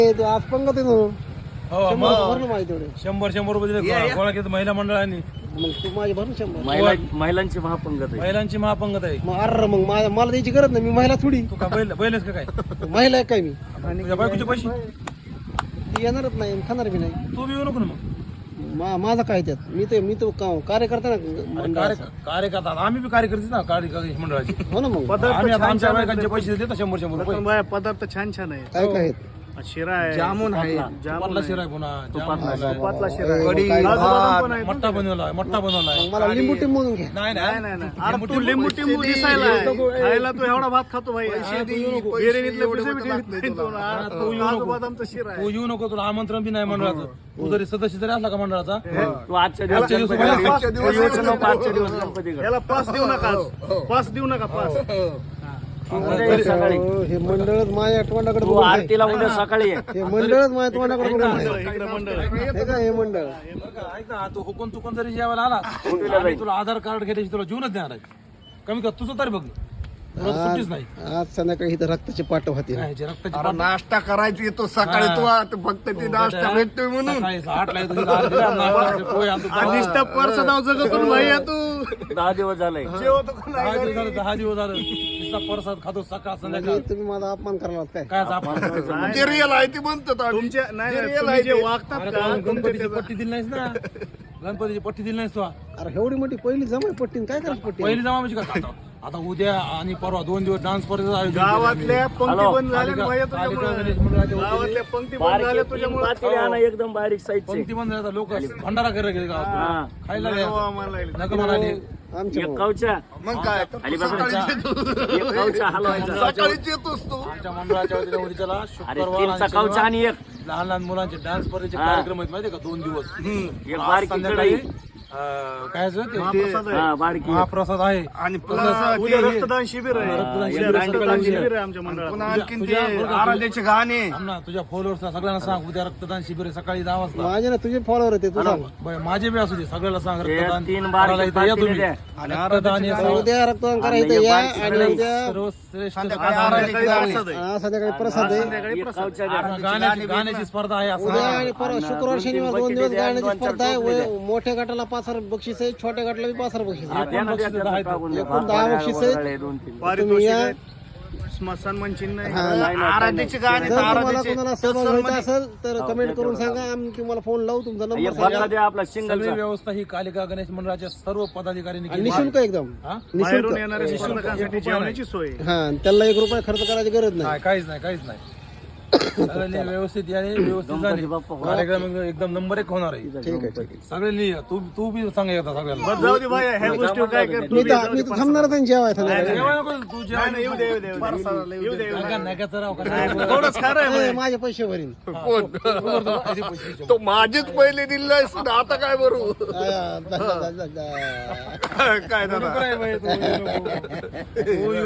आज पंगत आहे ना. हो शंभर मग भर ना माझे तेवढे. 100 रुपये दिले गोळा केलं महिला मंडळाने. मग तू माझे भर ना 100. महिलांची महापंगत आहे. महिलांची महापंगत आहे. मग अरे मग मला द्यायची गरज नाही, मी महिला थोडी. तू का बैलच का काय? महिला आहे काय मी? तुझ्या बायकोचे पैसे ती येणारच नाही, खाणार बी नाही. तू बी येऊ नको ना मग. माझा काय त्यात? मी तो कार्यकर्ता ना मंडळाचा. कार्यकर्ता आम्ही बी कार्यकर्ते ना कार्यकर्ते मंडळाचे. हो ना मग. आम्ही आता आमच्या बायकांचे पैसे देतो 100 रुपये. पदार्थ छान छान आहे. काय काय आहेत? शिरा आहे, जामून आहे. तुपातला शिरा आहे पुन्हा तुपातला शिरा आहे, कढी, काजू बदाम पण आहे. मट्टा बनवलाय मग मला लिंबू टिंबून घ्या. नाही नाही नाही नाही. अरे तू लिंबू टिंबू दिसायला आहे. खायला तू एवढा भात खातो भाई. बिर्याणीतले पिसे बी ठेवीत नाही तू. काजू बदामचा शिरा आहे. तू येऊ नको, तुला आमंत्रण बी नाही मंडळाचं. तू जरी सदस्य जरी असला का मंडळाचा तू आजच्या दिवस आजच्या दिवस गणपती- पाच तू येऊच नको आजच्या दिवस गणपती कर. याला पास देऊ नका, पास देऊ नका, पास. उद्या ये सकाळी. हे मंडळच माझ्या तोंडाकडे तू बघून आहे. आरतीला उद्या सकाळी ये. हे मंडळच माझ्या तोंडाकडे बघून आहे. इकडे मंडळ आहे. हे काय हे मंडळ? ऐक ना, तू हुकून चुकून जरी जेवायला आला आम्ही तुला आधार कार्ड घेण्याची तुला जीवनच देणार आहे. कमी कर तुझं तरी बघ, तुला तर सुट्टीच नाही. आज संध्याकाळी इथं रक्ताचे पाट होते. काय ह्याची रक्ताची अरे नाश्ता करायची येतो सकाळी तू आता फक्त ते नाश्ता भेटतोय म्हणून. सकाळी 8 ला येतो, तिथं आरती करणार, पोहे आणतो. अनिष्ट पर्स नाव जगतून भाई आहे तू. 10 दिवस झाले. जेवतो का नाही? 10 दिवस झालं नुसता प्रसाद खातो सकाळ संध्याकाळ. तुम्ही माझा अपमान करायला काय? काय आपण जे रिअल आहे ते म्हणतात आम्ही. तुमच्या नाही जे नाही, real तुम्ही आहे जे ते. वागतात अरे का तू गणपतीची पट्टी दिली नाहीस ना, गणपतीची पट्टी दिली नाहीस तू. अरे एवढी मोठी पहिली जमाय पट्टीन काय करायची पट्टी? पहिली जमा म्हणजे काय आता उद्या आणि परवा 2 दिवस डान्स स्पर्धेचं आयोजन केलं गावातल्या आम्ही. पंक्ती हॅलो. बंद झाल्या भाई कालिका गणेश तुझ्यामुळे. मंडळाच्या वतीने गावातल्या पंक्ती बंद बारीक झाल्या तीन तुझ्यामुळे. पातेले आणा एकदम बारीक साईजचे. पंक्ती बंद झाल्या, लोक भंडारा करायला गेले गावात. हा. खायला नको गेले. आम्हाला लागले. नका म्हणाले. आमच्या एक कवच्या मग काय आणि सकाळीच येतो. एक कवच्या हलवायचा. सकाळीच येतोस तू. आमच्या मंडळाच्या वतीने उद्याला अरे शुक्रवार तीनचा आणि कवचा शनिवार आणि एक लहान लहान मुलांचे डान्स स्पर्धेचे हा. कार्यक्रम आहेत माहितीये का 2 दिवस. एक आज बारकी संध्याकाळी कढई. काय आहे ते? महाप्रसाद आहे. हा बारकी महाप्रसाद आहे. आणि उद्या रक्तदान शिबिर आहे. शिबिर उद्या आहे. रक्तदान शिबिर आहे आमच्या मंडळात. पुन्हा आणखीन ते तुझ्या- आराध्याचे गाणे. थांब ना, तुझ्या फॉलोअर्सला सगळ्यांना सांग उद्या रक्तदान शिबिर आहे सकाळी 10 वाजता. माझे ना तुझे फॉलोअर होते तू सांग. बरं, माझे बी असू दे, सगळ्याला सांग ते रक्तदान 3 बारकी करायला इथं या पातेले तुम्ही. द्या. रक्तदान हे सर्व- उद्या रक्तदान करायचं आणि या बारकी आणि कढई. उद्या सर्वश्रेष्ठ संध्याकाळी रक्तदान आहे. आराध्याचे गाणे. प्रसाद आहे. संध्याकाळी प्रसाद आहे. संध्याकाळी एक प्रसाद. कवच्या द्या. गाण्याची स्पर्धा आहे असं उद्या नाही. आणि परवा शुक्रवार शनिवार 2 दिवस गाण्याची स्पर्धा आहे. मोठ्या गटाला 5,000 बक्षीस आहे, छोट्या गटाला बी 5,000 बक्षीस आहे. हा, द्या ना, द्या, द्या, आहेत. टाकून द्या. एकूण 10 बक्षीस आहेत. वगैरे 2-3. पारितोषिक या. आहे. सन्मान चिन्ह आहे. नाही, नाही, आराध्याचे गाणे जर तर तुम्हाला आराध्याचे कोणाला सहभाग व्हायचा असेल तर कमेंट करून सांगा, आम्ही तुम्हाला फोन लावू. तुमचा एक नंबर बदला सांगा. द्या आपला सगळी सिंगलचा. व्यवस्था ही कालिका गणेश मंडळाच्या सर्व पदाधिकाऱ्यांनी आणि केली निशुल्क आहे. एकदम हा? बाहेरून निशुल्क. येणाऱ्या शिक्षकांसाठी जेवणाची सोय आहे. हा, त्याला 1 रुपया खर्च करायची गरज नाही. नाही, काहीच नाही सगळ्यांनी व्यवस्थित याने व्यवस्थित झाले. बाप्पा हो. कार्यक्रम एकदम नंबर 1 होणार आहे. ठीक आहे, ठीक आहे. सगळ्यांनी या. तू बी सांग एकदा सगळ्यांना. बस जाऊ दे भाई, ह्या गोष्टी काय कर तू मी बी तर जाऊ दे. थांबणारच आहे जेवाय संध्याकाळी. जेवायला नको तू जेवायला नाही, येऊ दे, येऊ दे, येऊ दे. येऊ दे, येऊ दे. नका राव का? थोडंच खरं आहे भाई. ए, माझे पैसे भरीन. तो माझेच पहिले दिले आता काय बरू आ, जा, जा, जा, जा. काय दादा नको रे बाई, तू नको.